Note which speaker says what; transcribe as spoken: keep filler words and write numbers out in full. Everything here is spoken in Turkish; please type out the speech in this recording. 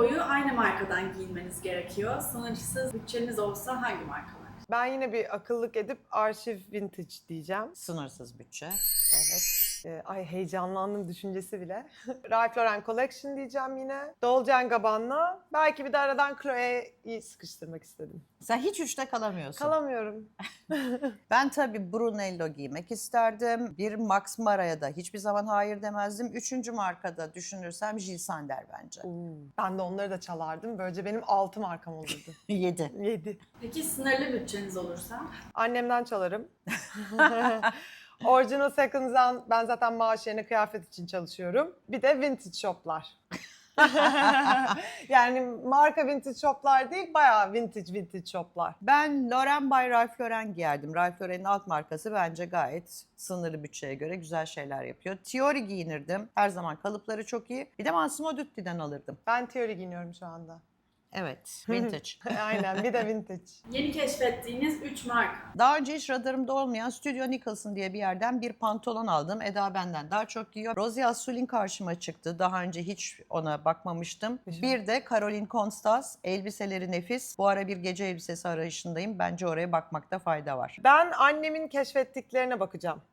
Speaker 1: boyu aynı markadan giyinmeniz gerekiyor. Sınırsız bütçeniz olsa hangi markalar?
Speaker 2: Ben yine bir akıllık edip arşiv vintage diyeceğim.
Speaker 3: Sınırsız bütçe.
Speaker 2: Evet. Ee, ay heyecanlandım düşüncesi bile. Ralph Lauren Collection diyeceğim yine. Dolce and Gabbana. Belki bir de aradan Chloe'yi sıkıştırmak istedim.
Speaker 3: Sen hiç üçte kalamıyorsun.
Speaker 2: Kalamıyorum.
Speaker 3: Ben tabii Brunello giymek isterdim. Bir Max Mara'ya da hiçbir zaman hayır demezdim. Üçüncü markada düşünürsem Jil Sander bence.
Speaker 2: Oo, ben de onları da çalardım. Böylece benim altı markam olurdu.
Speaker 3: Yedi.
Speaker 2: Yedi.
Speaker 1: Peki sınırlı bütçeniz olursa?
Speaker 2: Annemden çalarım. Original Seconds'dan ben zaten maaş yerine kıyafet için çalışıyorum. Bir de vintage shoplar. Yani marka vintage shoplar değil, bayağı vintage vintage shoplar.
Speaker 3: Ben Lauren by Ralph Lauren giyerdim. Ralph Lauren'in alt markası bence gayet sınırlı bütçeye göre güzel şeyler yapıyor. Tiori giyinirdim. Her zaman kalıpları çok iyi. Bir de Massimo Dutti'den alırdım.
Speaker 2: Ben Theory giyiniyorum şu anda.
Speaker 3: Evet, vintage.
Speaker 2: Aynen, bir de vintage.
Speaker 1: Yeni keşfettiğiniz üç marka.
Speaker 3: Daha önce hiç radarımda olmayan Studio Nicholson diye bir yerden bir pantolon aldım. Eda benden daha çok giyiyor. Rosie Asulin karşıma çıktı. Daha önce hiç ona bakmamıştım. Bir de Caroline Constance. Elbiseleri nefis. Bu ara bir gece elbisesi arayışındayım. Bence oraya bakmakta fayda var.
Speaker 2: Ben annemin keşfettiklerine bakacağım.